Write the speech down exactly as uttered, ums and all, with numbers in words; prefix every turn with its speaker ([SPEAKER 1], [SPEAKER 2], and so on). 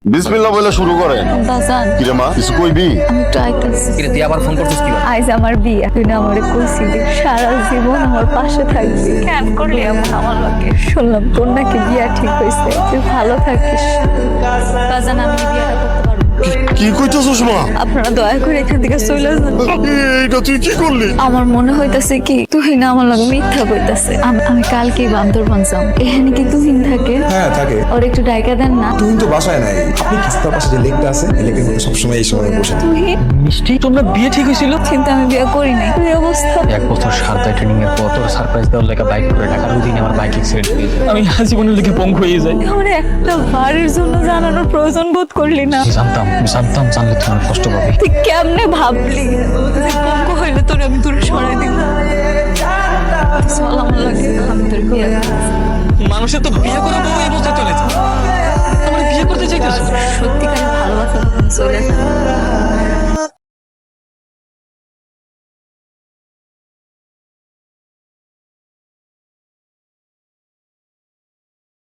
[SPEAKER 1] বিসমিল্লাহ বলে শুরু করেন।
[SPEAKER 2] বাজান
[SPEAKER 1] কিরে মা কিছু কইবি?
[SPEAKER 2] আমি একটু আইতাছি।
[SPEAKER 3] কিরে তুই আবার ফোন করছিস কি?
[SPEAKER 2] আজ আমার বিয়ে, তুই না আমারে কইছিলি সারা জীবন আমার পাশে থাকবি, কেন করলি এমন আমার লগে? শুনলাম তোর নাকি বিয়া ঠিক হয়েছে, তুই ভালো থাকিস। বাজান আমি কি বিয়েটা করতে পারবো?
[SPEAKER 1] কি কইতেছস মা?
[SPEAKER 2] আপনারা দয়া করে এখান থেকে চলে যান।
[SPEAKER 1] এইটা তুই কি করলি?
[SPEAKER 2] আমার মনে হইতাছে কি তুই না আমার লগে মিথ্যা কইতাছে। আমি আমি কালকেই বান্দরবান যাম, এখানে কি তুহিন থাকে?
[SPEAKER 4] হ্যাঁ থাকে।
[SPEAKER 2] ওর একটু ডাইকা দেন না।
[SPEAKER 4] তুই তো বাসায় নাই, আপনি রাস্তার পাশে যে লেকটা আছে এই লেকের মধ্যে সবসময় এই সময় বসে থাকেন।
[SPEAKER 2] তুহিন,
[SPEAKER 3] মিষ্টি তোমরা বিয়ে ঠিক হয়েছিল?
[SPEAKER 2] কিন্তু আমি বিয়ে করি নাই। তুই অবস্থা
[SPEAKER 3] এক বছর সারদায় ট্রেনিং এর পর তোর সারপ্রাইজ দেওয়ার লেগে বাইক করে ঢাকার ওই দিন আমার বাইক অ্যাক্সিডেন্ট হয়ে যায়। আমি জীবনের লেগে পঙ্গু হয়ে যাই।
[SPEAKER 2] আমার একটা বাড়ির জন্য জানানোর প্রয়োজন বোধ করলি না।
[SPEAKER 3] আমি জানতাম আমি জানতাম জানলে তুমি অনেক কষ্ট পাবে।
[SPEAKER 2] তুই কেমনে ভাবলি যে পঙ্গু হইলে তোর আমি দূরে সরাই দিব? চল আমার লাগে, আমি তোর বিয়ে করবো।
[SPEAKER 3] মানুষের তো বিয়ে করে বউ এই অবস্থায় চলে যায়। আমার বিয়ে করতে চাইতেছ?
[SPEAKER 2] সত্যিকারের ভালোবাসা তখন চলে যায়।